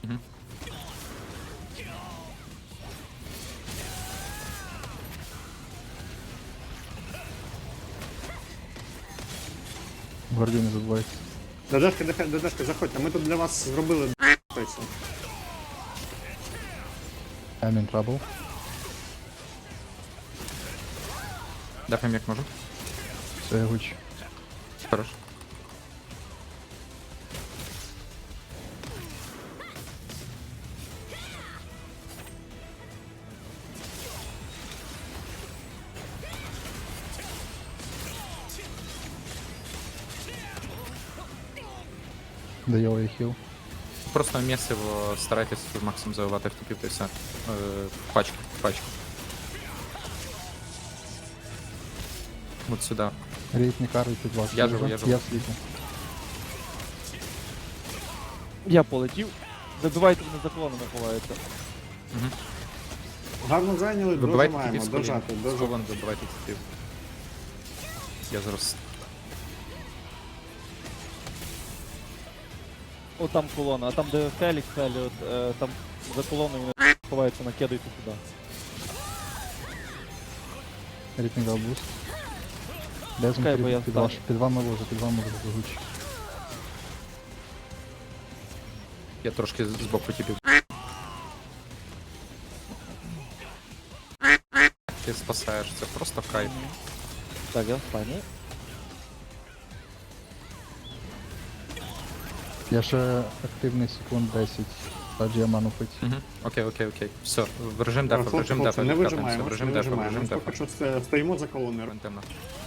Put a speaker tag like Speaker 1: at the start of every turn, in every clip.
Speaker 1: Мгм.
Speaker 2: Гвардію не забувайте.
Speaker 3: ДДшка, заходьте, ми тут для вас зробили д***йся.
Speaker 2: I'm in trouble.
Speaker 1: Дефаємо як можу.
Speaker 2: Все, гуч.
Speaker 1: Хорош.
Speaker 2: Даю я хіл.
Speaker 1: Просто місиво старайтесь максимум завивати в тупів і все. Пачки. От сюди.
Speaker 2: Рейд не карить під вас.
Speaker 1: Я живу.
Speaker 2: Я в світі.
Speaker 4: Я полетів. Забивайте мене за колонами ховаються.
Speaker 3: Гарно зайняли,
Speaker 1: Вибивайте
Speaker 3: дожимаємо,
Speaker 1: тупів з колін.
Speaker 3: дожати,
Speaker 1: З
Speaker 3: дожати.
Speaker 1: колон вибивайте тупів. Я зараз...
Speaker 4: О, там колона, а там де Фелікс, там за колоною він ховається, накидайте сюди.
Speaker 2: Рейд не дав буст. Дезм
Speaker 4: Чекай, бо я встану.
Speaker 2: під вами ложу, гуч.
Speaker 1: Я трошки збоку типів. Ти спасаєш, це просто кайф.
Speaker 4: Так, я в стані.
Speaker 2: Я ще активний секунд 10. Тоді я ману пить.
Speaker 1: Угу. Окей. Все, в режим дефа, в режим дефа.
Speaker 3: Не
Speaker 1: відкатуємося,
Speaker 3: вижимаємо,
Speaker 1: в режим
Speaker 3: не
Speaker 1: дефа, в
Speaker 3: вижимаємо.
Speaker 1: режим
Speaker 3: Поки
Speaker 1: дефа.
Speaker 3: що стоїмо за колоною.
Speaker 1: Темно.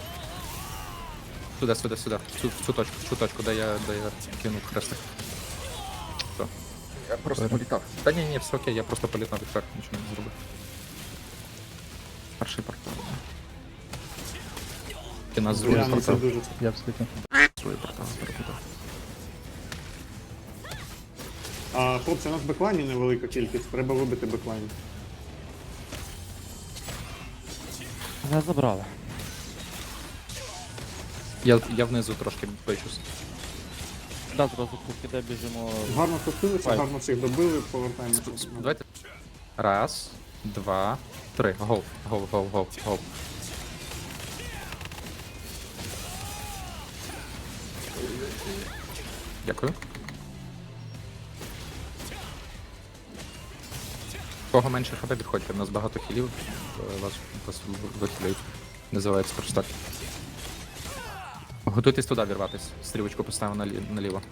Speaker 1: Сюди. В цю точку, де я кинув хрестик. Все. Я просто політав. Та ні, все окей, я просто політав відверх, нічого не зробив. Перший портал. Ти нас другий
Speaker 3: Реально, це
Speaker 1: портал.
Speaker 3: дуже
Speaker 2: Я в світі.
Speaker 1: Другий портал перепутав.
Speaker 3: Хлопці, у нас беклайнів невелика кількість, треба вибити беклайн.
Speaker 4: Мене забрали.
Speaker 1: Я внизу трошки пичусь.
Speaker 4: Да, зразу покиде біжимо.
Speaker 3: Гарно спустилися,
Speaker 4: Файт.
Speaker 3: гарно всіх добили, повертаємося.
Speaker 1: Давайте. Раз, два, три. Гол. Дякую. Кого менше хп, підходьте, в нас багато хілів, вас вихилюють. Називається форштак. Готуйтесь туди вірватись. Стрілочку поставимо наліво.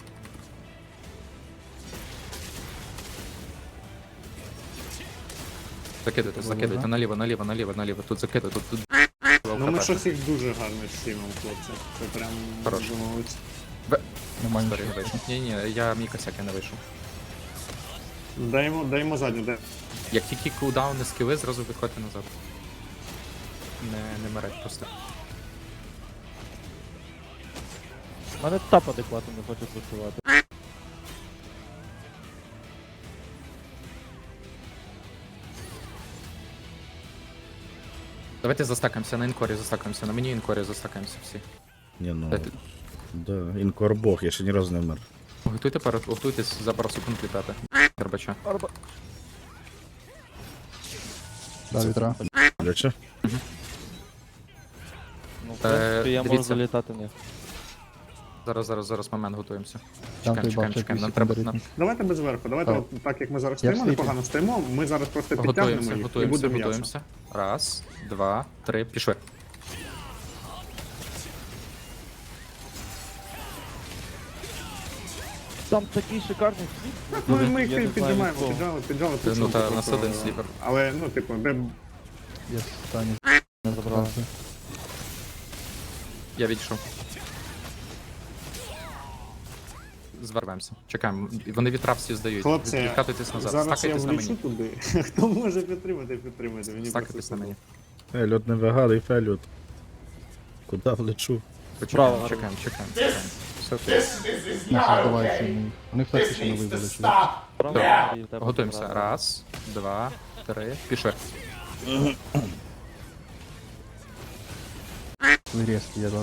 Speaker 1: Закидайте, наліво. Тут закидайте, тут.
Speaker 3: Ну ми щось їх дуже гарно стімемо, хлопці. Це прям
Speaker 1: Хорош.
Speaker 3: дуже молодці.
Speaker 2: Нема
Speaker 1: Сорі,
Speaker 2: нічого.
Speaker 1: не вийшов. Ні, я мій косяк, я не вийшов.
Speaker 3: Даємо задню, де.
Speaker 1: Як тільки кулдауни скіли, зразу виходьте назад. Не мереть просто.
Speaker 4: У мене тап адекватно не хоче працювати.
Speaker 1: Давайте застакаємося на інкорі, на мені інкорі застакаємося всі.
Speaker 5: Ні, ну,
Speaker 1: Дайте-
Speaker 5: да, інкор бог, я ще ні разу не вмер.
Speaker 1: Готуйтесь за пару секунд літати. Горбача.
Speaker 2: Да, вітра.
Speaker 5: Ляче?
Speaker 4: Ну, в принципі, я можу
Speaker 1: дивіться.
Speaker 4: залітати в них.
Speaker 1: Зараз момент готуємося.
Speaker 2: Там той
Speaker 1: Чекаємо.
Speaker 2: бачить
Speaker 1: Нам
Speaker 2: 8
Speaker 1: треба.
Speaker 2: секунд.
Speaker 3: Давайте без верху, давайте
Speaker 2: Так.
Speaker 3: от так як ми зараз
Speaker 2: Я
Speaker 3: стоїмо,
Speaker 2: в світі.
Speaker 3: непогано стоїмо, ми зараз просто підтягнемо їх і буде м'ясо.
Speaker 1: Готуємося. Раз, два, три, пішли.
Speaker 4: Там такий шикарний світ.
Speaker 3: Ну і ми
Speaker 4: Я не
Speaker 3: їх
Speaker 4: знаю,
Speaker 3: піджимаємо,
Speaker 4: від кого.
Speaker 3: піджали,
Speaker 1: Ну та
Speaker 3: просто.
Speaker 1: нас один сліпер.
Speaker 3: Але, ну, типу, де
Speaker 2: Я стані.
Speaker 4: Не забрали.
Speaker 1: Я відійшов. Звернемося. Чекаємо. Вони вітра всі здають.
Speaker 3: хлопці,
Speaker 1: Відкатуйтесь назад.
Speaker 3: зараз я
Speaker 1: Стакайтесь на
Speaker 3: влічу
Speaker 1: мені.
Speaker 3: туди. Хто може підтримати. Мені
Speaker 1: Стакайтесь
Speaker 3: просто
Speaker 1: на мені.
Speaker 5: Фельот не вигадуй, Фельот. Куда влечу?
Speaker 4: Право,
Speaker 1: Чекаємо. Все окей.
Speaker 2: Не создавайся. Вони в так ще не вибили. чувак.
Speaker 4: Правда,
Speaker 1: Так,
Speaker 4: Андрій, в тебе
Speaker 1: Готуємося.
Speaker 4: забрали.
Speaker 1: Раз, два, три, пішли.
Speaker 2: Ви різкі, я дав.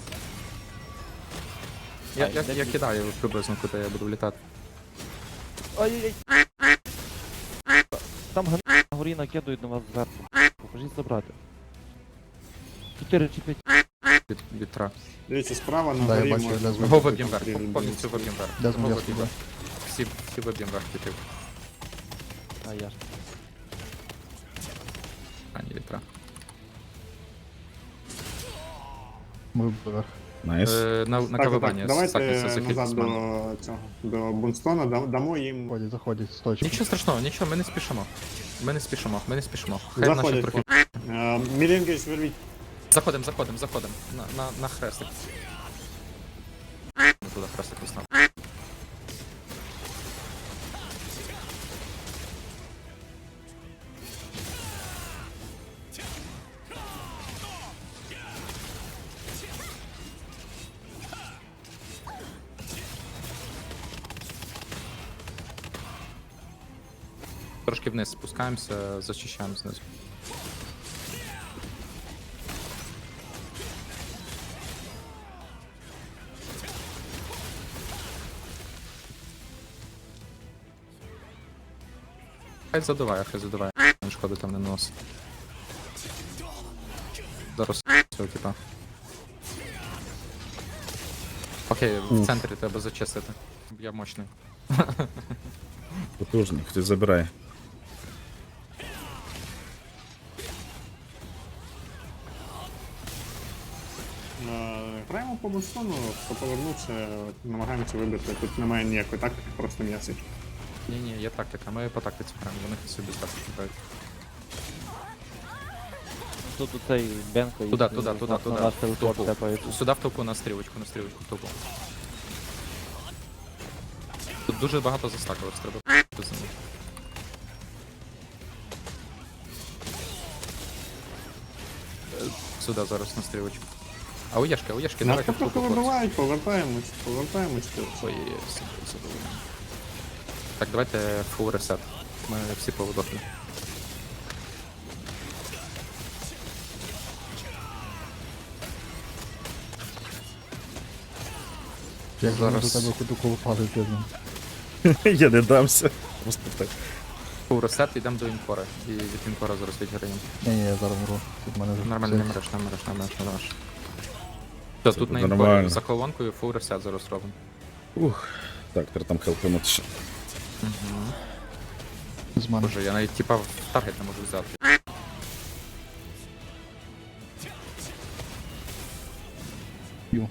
Speaker 1: Я кидаю приблизно, куди я буду влітати.
Speaker 4: Ай-яй-яй. Там гани на горі накидують на вас зверху. Покажіть забрати. 4 чи 5.
Speaker 1: Від тра.
Speaker 3: Дивіться, справа на
Speaker 2: Да, я
Speaker 3: горі
Speaker 2: бачу,
Speaker 3: можна
Speaker 2: я
Speaker 3: вибити
Speaker 1: Го виб'єм вверх,
Speaker 3: контроль
Speaker 1: повністю
Speaker 3: бійців.
Speaker 1: виб'єм вверх.
Speaker 2: Де
Speaker 1: Го
Speaker 2: змія
Speaker 1: виб'єм
Speaker 2: сюди?
Speaker 1: вверх. Всі виб'єм вверх типів.
Speaker 4: А я ж.
Speaker 1: А, ні, від тра.
Speaker 2: Ми вверх.
Speaker 5: Найс.
Speaker 1: На
Speaker 3: Так,
Speaker 1: кавивання
Speaker 3: давайте
Speaker 1: стакнеться за
Speaker 3: назад
Speaker 1: Хітсман.
Speaker 3: до цього, до Бунстона, дамо їм...
Speaker 2: Заходять, заходять, з точки.
Speaker 1: Нічого страшного, нічого, ми не спішимо. Ми не спішимо, ми не спішимо. Хай наші
Speaker 3: Заходять.
Speaker 1: трохи.
Speaker 3: Мілінгейдж вервіть.
Speaker 1: Заходим. На хрестик. Не туди хрестик виснав. Трошки вниз спускаємося, зачищаємо знизу. Хай задуває. Шкоди там не наносить. Зараз цього типа. Окей, в центрі треба зачистити. Я мощний.
Speaker 5: Потужний, хтось забирає.
Speaker 3: Граємо по Бунстону, хто повернувся, намагаємося вибити. Тут немає ніякої тактики, просто м'ясить.
Speaker 1: Ні, є тактика, ми по тактиці граємо, вони собі з тактики грають.
Speaker 4: Тут оцей Бенко і
Speaker 1: Туди.
Speaker 4: на наш телепорт тепається.
Speaker 1: Сюди в толпу, на стрілочку, в толпу. Тут дуже багато застакувалось, треба за ним. Сюди зараз на стрілочку. А у Єшки,
Speaker 3: Нас
Speaker 1: давайте в
Speaker 3: трохи
Speaker 1: толпу.
Speaker 3: вибивають, повертаємось.
Speaker 1: Ой, задоволення. Так, давайте фул ресет. Ми всі повидохли.
Speaker 2: Як зараз
Speaker 1: Зараз-
Speaker 2: до тебе ходу колупали тиждень.
Speaker 5: Я не дамся. Просто так.
Speaker 1: Фул ресет, йдемо до інкора. І від інкора зараз відіграємо.
Speaker 2: Ні, я зараз мру. Тут в мене вже
Speaker 1: Нормально, не мереш. Все, тут на інкорі
Speaker 5: нормально.
Speaker 1: за колонкою фул ресет зараз робимо.
Speaker 5: Ух. Так, треба там хелпнути ще.
Speaker 2: з мене.
Speaker 1: Боже, я навіть типа в таргет не можу взяти.
Speaker 2: Ю.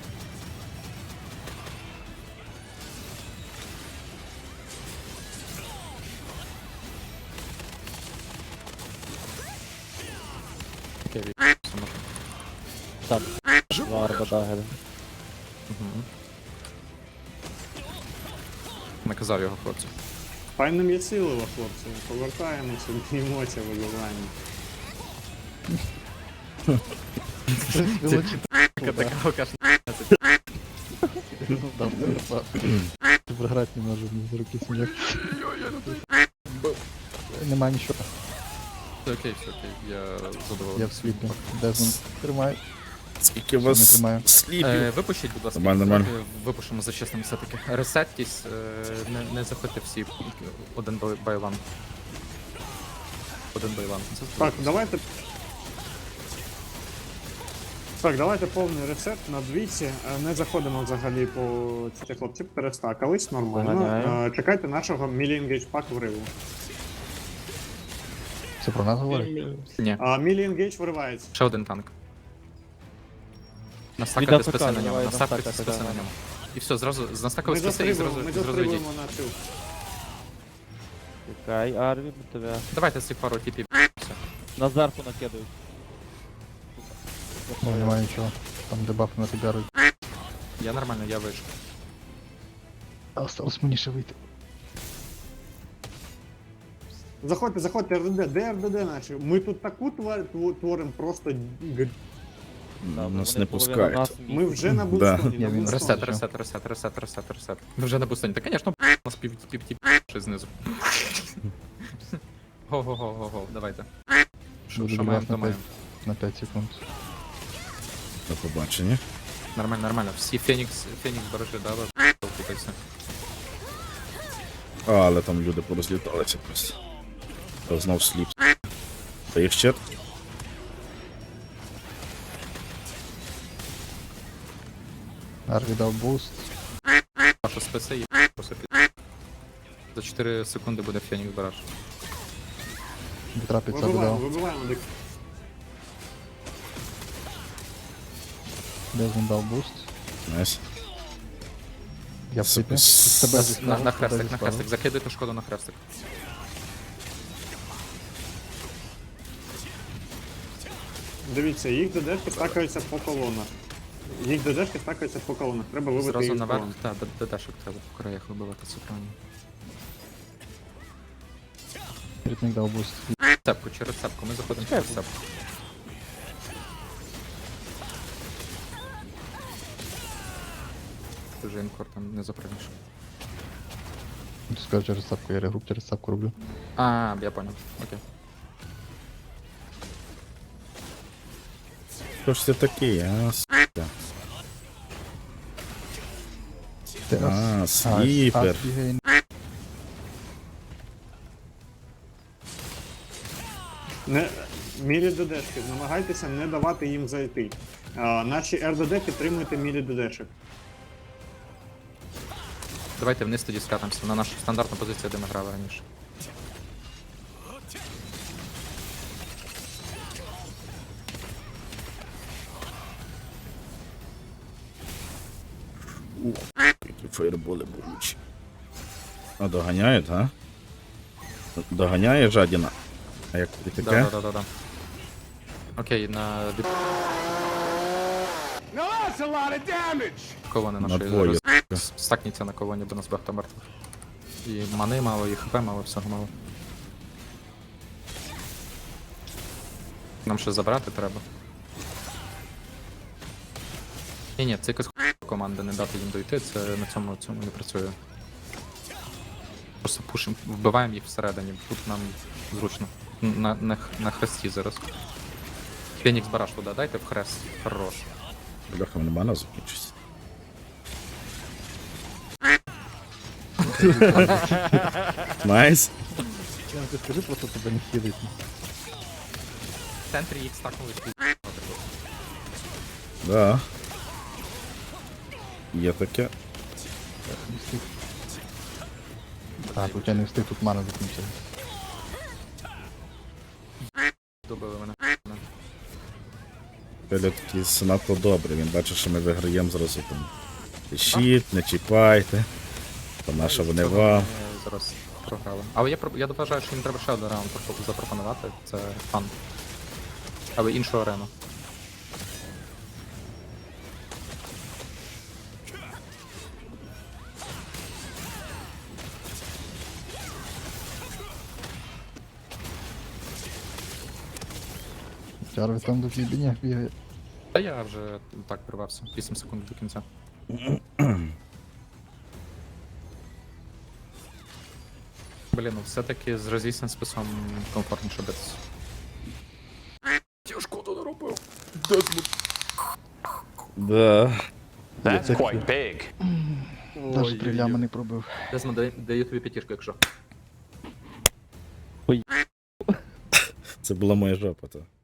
Speaker 1: Окей, все можна.
Speaker 4: Так. Варба дагер.
Speaker 1: Наказав його хлопцю.
Speaker 3: Файно м'ясилово, хлопці. Повертаємося, б'ємося, вибиваємо.
Speaker 1: Така алкашна.
Speaker 2: Програти не можу, ні з руки сміх. Нема нічого.
Speaker 1: Все окей, я задоволений.
Speaker 2: Я в сліпі. Дезмонд тримає.
Speaker 5: Скільки у
Speaker 2: Не
Speaker 5: вас
Speaker 2: тримаю.
Speaker 5: сліпів?
Speaker 1: Випустіть, будь ласка,
Speaker 5: Нормально.
Speaker 1: трохи випушимо за чесним все-таки. Ресеттісь, не заходьте всі один байлан. Один байлан. Це
Speaker 3: Так, давайте. Так, давайте повний ресет на двійці. Не заходимо взагалі по ці хлопці перестакались, нормально.
Speaker 4: Доганяю.
Speaker 3: Чекайте нашого Мілінгейдж пак вриву.
Speaker 2: Це про нас говорить?
Speaker 1: Ні,
Speaker 3: Мілінгейдж виривається.
Speaker 1: ще один танк.
Speaker 4: Від
Speaker 1: Настакати
Speaker 4: АФК,
Speaker 1: списи на ньому,
Speaker 4: давай
Speaker 1: настакати
Speaker 4: настакати,
Speaker 1: списи
Speaker 4: да.
Speaker 1: на ньому. І все, зразу настакали
Speaker 3: Ми
Speaker 1: списи і
Speaker 3: застрибуємо, ми
Speaker 1: зразу йдіть.
Speaker 3: застрибуємо на цю.
Speaker 4: Чекай, Арві, тебе.
Speaker 1: Давайте ці пару типів. Все.
Speaker 4: На зверху накидають.
Speaker 2: Ну, немає нічого. Там дебаф на тебе.
Speaker 1: Я нормально, я вийшов.
Speaker 2: А осталось мені ще вийти.
Speaker 3: Заходьте, РДД, де РДД наші? Ми тут таку творимо просто...
Speaker 5: Нас
Speaker 4: Вони
Speaker 5: не
Speaker 4: половина
Speaker 5: пускають.
Speaker 4: нас
Speaker 3: Ми
Speaker 4: місяць.
Speaker 3: вже на
Speaker 5: Да.
Speaker 3: Бунстоні,
Speaker 2: Я
Speaker 3: на
Speaker 2: він
Speaker 3: Бунстоні.
Speaker 1: Ресет. Ми вже на бустені. Та, звісно, у нас пів ще знизу. Го, давайте. Що
Speaker 2: Буду
Speaker 1: маємо,
Speaker 2: дебаф
Speaker 1: то
Speaker 2: на
Speaker 1: маємо.
Speaker 2: 5 секунд.
Speaker 5: До побачення.
Speaker 1: Нормально. Всі Фенікс бережи, да, ви купайся.
Speaker 5: Але там люди порозліталися просто. Та знов сліп. Та їх ще.
Speaker 2: Арві дав буст.
Speaker 1: Ваша списи і просто за 4 секунди буде Фенікс бараж.
Speaker 2: Вітра під себе
Speaker 3: Вибиваємо,
Speaker 2: дав.
Speaker 3: вибиваємо дик.
Speaker 2: Дезмон дав буст.
Speaker 5: Найс.
Speaker 2: Я в світі.
Speaker 5: С-
Speaker 2: Тебе зі
Speaker 1: На
Speaker 2: тебе
Speaker 1: хрестик,
Speaker 2: зі
Speaker 1: на хрестик. Закидуйте шкоду на хрестик.
Speaker 3: Дивіться, їх ДДшки стакаються по колонах. Їх ДДшки стакаються по колонах. Треба вибити
Speaker 1: Зразу
Speaker 3: їх з
Speaker 1: наверх,
Speaker 3: колон.
Speaker 1: так, дедашок треба по краях вибивати, це правильно.
Speaker 2: Рітник дав буст.
Speaker 1: Цепку, через цепку, ми заходимо через цепку. Ти вже інкор там не запрыгнеш.
Speaker 2: Ти скажеш через сапку, я регруп через сапку роблю.
Speaker 1: А, я понял, окей.
Speaker 5: Хто ж це такий, а? С***а. А, сліпер.
Speaker 2: Бігає.
Speaker 3: Не, мілі ДДшки, намагайтеся не давати їм зайти. Наші РДД підтримуйте мілі ДДшек.
Speaker 1: Давайте вниз тоді скатимося на нашу стандартну позицію, де ми грали раніше.
Speaker 5: Які фейерболи болючі. А доганяють, а? Доганяє жадіна. А як тобі таке?
Speaker 1: Да. Окей, на від... колони
Speaker 5: На
Speaker 1: нашої
Speaker 5: двоє.
Speaker 1: зараз. Стакніться на колоні, бо нас багато мертвих. І мани мало, і хп мало, всього мало. Нам ще забрати треба. Ні, це якась команда, не дати їм дойти, це на цьому не працює. Просто пушимо, вбиваємо їх всередині, тут нам зручно. На хресті зараз. Фенікс бараш туди, дайте в хрест. Хорош.
Speaker 5: Бляха, мене мана закінчиться. Найс.
Speaker 2: Я ти скажи, просто тебе не хілить.
Speaker 1: В центрі їх стакнули.
Speaker 5: Да. Є таке.
Speaker 2: Не встиг. А, тут я не встиг, тут мана закінчилась.
Speaker 1: Добили мене.
Speaker 5: Феліот такий надто добрий, він бачить, що ми виграємо зразу там. Пишіть, не чіпайте. То на що вони вам.
Speaker 1: Ми зараз програли. Але я вважаю, що їм треба ще один раунд запропонувати. Це фан. Але іншу арену.
Speaker 2: Чарві там до бігання бігає.
Speaker 1: Та я вже так прорвався. 8 секунд до кінця. Блін, ну все-таки з розісним списом комфортніше битися. Я шкоду не робив.
Speaker 5: Да.
Speaker 6: That's quite big.
Speaker 2: Навіть прилями не пробив.
Speaker 1: Дезмо, даю тобі п'ятішку, якщо.
Speaker 5: Це була моя жопа, то.